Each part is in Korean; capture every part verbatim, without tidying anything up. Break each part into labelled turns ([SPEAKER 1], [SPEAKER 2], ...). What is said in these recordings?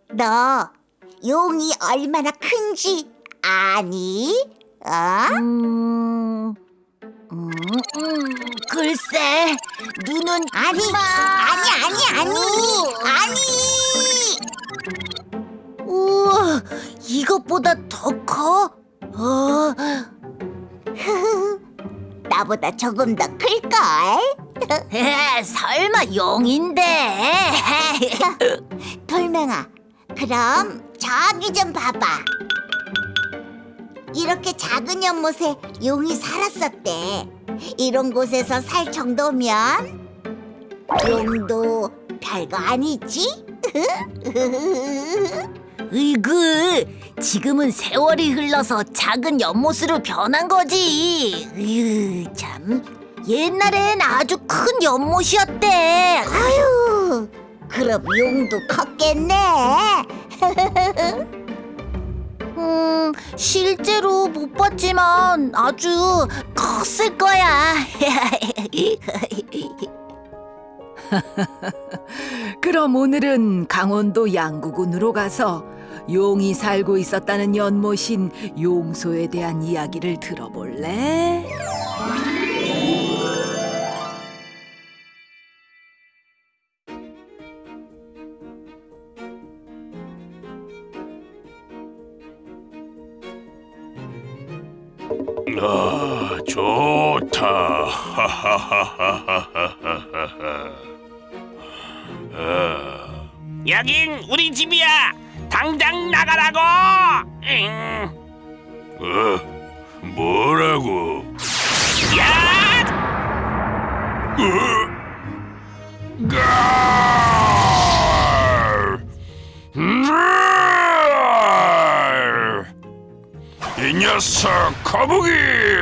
[SPEAKER 1] 너 용이 얼마나 큰지 아니? 어?
[SPEAKER 2] 음, 음, 음, 글쎄, 눈은
[SPEAKER 1] 아니, 아니, 아니, 아니, 아니.
[SPEAKER 2] 우와, 이것보다 더 커? 어,
[SPEAKER 1] 나보다 조금 더 클걸?
[SPEAKER 2] 에, 설마 용인데?
[SPEAKER 1] 돌멩아, 그럼 저기 좀 봐봐. 이렇게 작은 연못에 용이 살았었대. 이런 곳에서 살 정도면 용도 별거 아니지?
[SPEAKER 2] 으이그, 지금은 세월이 흘러서 작은 연못으로 변한 거지. 으, 참, 옛날엔 아주 큰 연못이었대.
[SPEAKER 1] 아유, 그럼 용도 컸겠네.
[SPEAKER 2] 음, 실제로 못 봤지만 아주 컸을 거야.
[SPEAKER 3] 그럼 오늘은 강원도 양구군으로 가서 용이 살고 있었다는 연못인 용소에 대한 이야기를 들어볼래?
[SPEAKER 4] 아, 좋다. 하하하하하하하. 아, 여긴 우리 집이야. 당장 나가라고. 응. 어? 뭐라고? 야! 어? 가! 음! 이 녀석 거북이!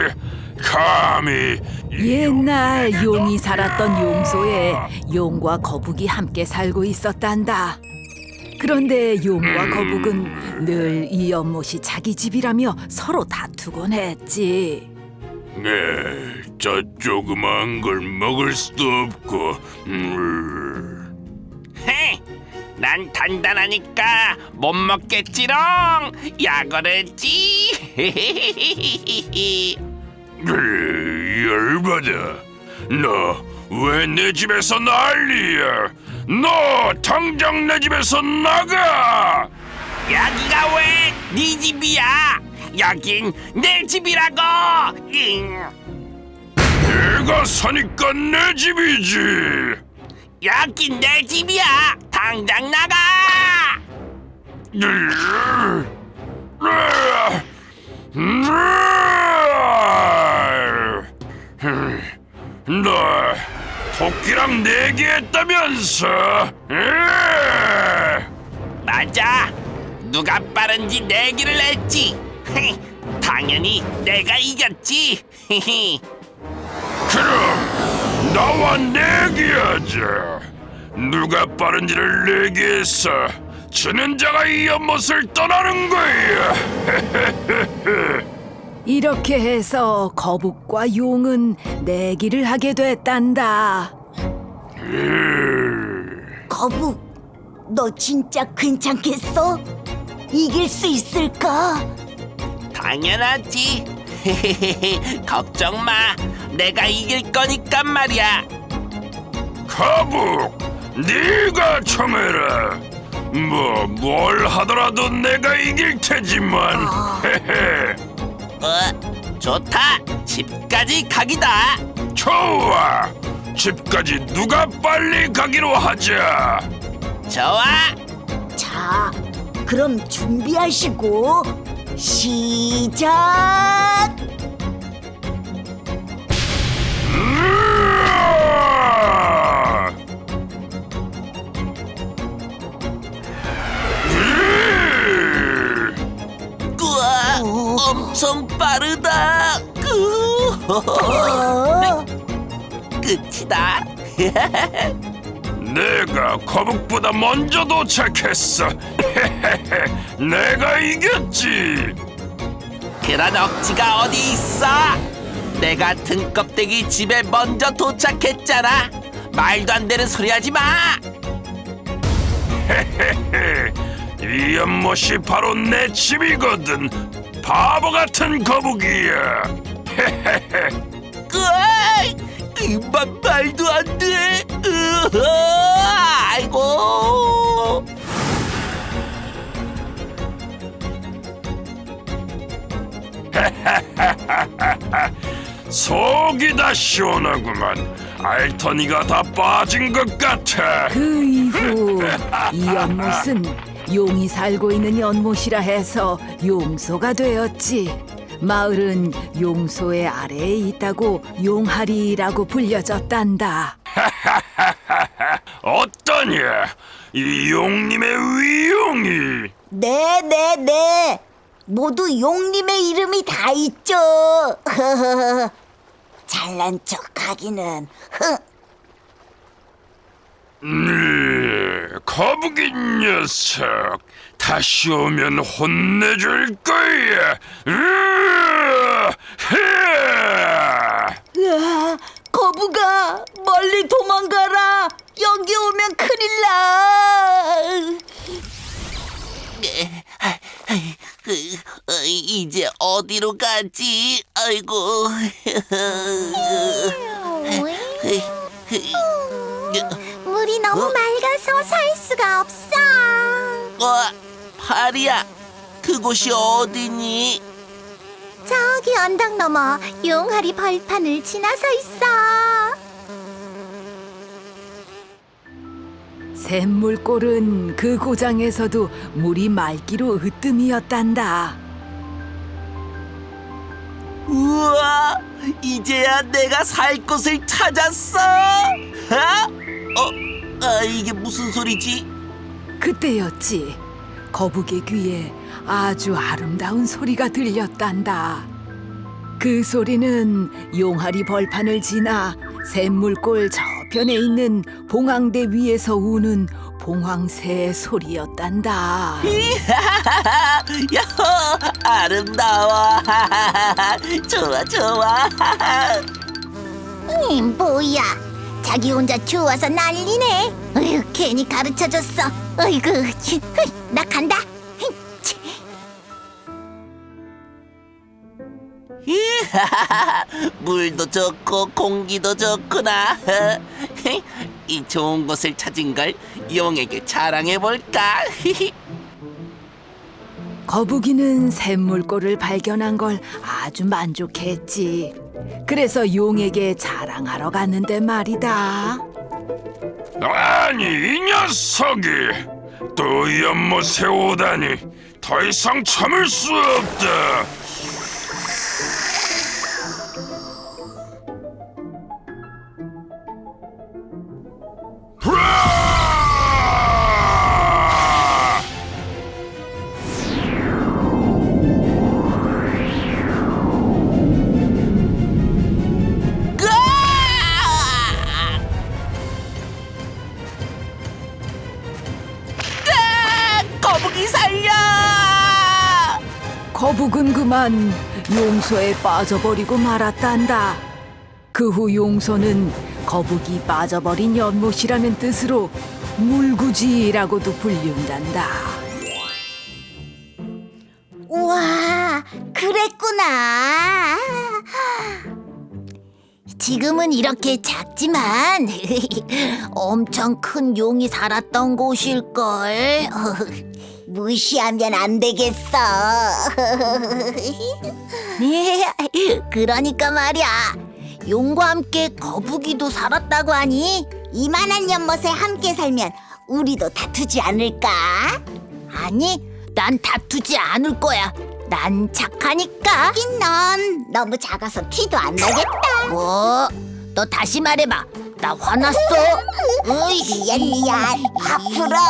[SPEAKER 4] 감히
[SPEAKER 3] 옛날 용이 살았던 용소에 용과 거북이 함께 살고 있었단다. 그런데 용과 거북은 늘 이 연못이 자기 집이라며 서로 다투곤 했지.
[SPEAKER 4] 네, 저 조그만 걸 먹을 수도 없고. 음.
[SPEAKER 5] 헤, 난 단단하니까 못 먹겠지롱. 야거랬지.
[SPEAKER 4] 으, 열받아. 너 왜 내 집에서 난리야? 너 당장 내 집에서 나가!
[SPEAKER 5] 여기가 왜 네 집이야? 여긴 내 집이라고. 잉.
[SPEAKER 4] 내가 사니까 내 집이지.
[SPEAKER 5] 여긴 내 집이야. 당장 나가.
[SPEAKER 4] 으, 으, 으, 으, 너 토끼랑 내기했다면서? 으!
[SPEAKER 5] 맞아. 누가 빠른지 내기를 했지. 헤, 당연히 내가 이겼지. 히히.
[SPEAKER 4] 그럼 나와 내기하자. 누가 빠른지를 내기해서 지는 자가 이 연못을 떠나는 거야.
[SPEAKER 3] 이렇게 해서 거북과 용은 내기를 하게 됐단다.
[SPEAKER 1] 거북, 너 진짜 괜찮겠어? 이길 수 있을까?
[SPEAKER 5] 당연하지. 걱정 마. 내가 이길 거니까 말이야.
[SPEAKER 4] 거북, 네가 청해라. 뭐 뭘 하더라도 내가 이길 테지만.
[SPEAKER 5] 어, 좋다. 집까지 가기다.
[SPEAKER 4] 좋아. 집까지 누가 빨리 가기로 하자.
[SPEAKER 5] 좋아.
[SPEAKER 1] 자, 그럼 준비하시고 시작!
[SPEAKER 4] 으아! 으!
[SPEAKER 5] 우와, 엄청 빠르다. 그,
[SPEAKER 1] 어?
[SPEAKER 5] 끝이다.
[SPEAKER 4] 내가 거북보다 먼저 도착했어. 내가 이겼지.
[SPEAKER 5] 그런 억지가 어디 있어? 내가 등껍데기 집에 먼저 도착했잖아. 말도 안 되는 소리 하지 마.
[SPEAKER 4] 이 연못이 바로 내 집이거든. 바보 같은 거북이야.
[SPEAKER 5] 으아이, 이만 말도 안 돼. 으아, 아이고.
[SPEAKER 4] 속이 다 시원하구만. 알터니가 다 빠진 것 같아.
[SPEAKER 3] 그 이후 이 연못은 용이 살고 있는 연못이라 해서 용소가 되었지. 마을은 용소의 아래에 있다고 용하리라고 불려졌단다.
[SPEAKER 4] 어떠냐? 이 용님의 위용이.
[SPEAKER 1] 네네네. 모두 용님의 이름이 다 있죠. 잘난 척하기는.
[SPEAKER 4] 네, 거북이 녀석. 다시 오면 혼내줄 거야. 으아, 흐아.
[SPEAKER 1] 으아, 거북아, 멀리 도망가라. 여기 오면 큰일 나.
[SPEAKER 5] 그, 어, 이제 어디로 가지? 아이고.
[SPEAKER 2] 물이 너무 맑아서 살 수가 없어.
[SPEAKER 5] 어, 파리야, 그곳이 어디니?
[SPEAKER 2] 저기 언덕 너머 용하리 벌판을 지나서 있어.
[SPEAKER 3] 샘물골은 그 고장에서도 물이 맑기로 으뜸이었단다.
[SPEAKER 5] 우와, 이제야 내가 살 곳을 찾았어. 아? 어, 아, 이게 무슨 소리지?
[SPEAKER 3] 그때였지. 거북의 귀에 아주 아름다운 소리가 들렸단다. 그 소리는 용하리 벌판을 지나 샘물골 저편에 있는 봉황대 위에서 우는 봉황새의 소리였단다.
[SPEAKER 5] 야호, 아름다워. 좋아, 좋아.
[SPEAKER 2] 이 뭐야? 자기 혼자 좋아서 난리네. 어휴, 괜히 가르쳐줬어. 어이구, 나 간다.
[SPEAKER 5] 물도 좋고 공기도 좋구나. 이 좋은 곳을 찾은 걸 용에게 자랑해볼까?
[SPEAKER 3] 거북이는 샘물골을 발견한 걸 아주 만족했지. 그래서 용에게 자랑하러 갔는데 말이다.
[SPEAKER 4] 아니, 이 녀석이 또 연못에 오다니. 더 이상 참을 수 없다. 으아!
[SPEAKER 5] 거북이 살려!
[SPEAKER 3] 거북은 그만 용소에 빠져버리고 말았단다. 그 후 용소는 거북이 빠져버린 연못이라는 뜻으로 물구지라고도 불린단다.
[SPEAKER 2] 우와, 그랬구나. 지금은 이렇게 작지만 엄청 큰 용이 살았던 곳일걸.
[SPEAKER 1] 무시하면 안 되겠어.
[SPEAKER 2] 그러니까 말이야. 용과 함께 거북이도 살았다고 하니?
[SPEAKER 1] 이만한 연못에 함께 살면 우리도 다투지 않을까?
[SPEAKER 2] 아니, 난 다투지 않을 거야. 난 착하니까.
[SPEAKER 1] 하긴 넌 너무 작아서 티도 안 나겠다.
[SPEAKER 2] 뭐? 너 다시 말해봐. 나 화났어? 어이,
[SPEAKER 1] 미안 미안. 화 풀어.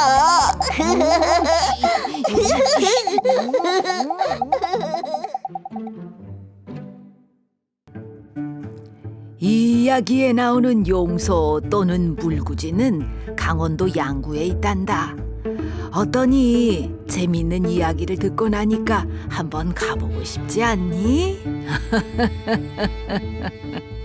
[SPEAKER 3] 이 이야기에 나오는 용소 또는 물구지는 강원도 양구에 있단다. 어떠니? 재밌는 이야기를 듣고 나니까 한번 가보고 싶지 않니?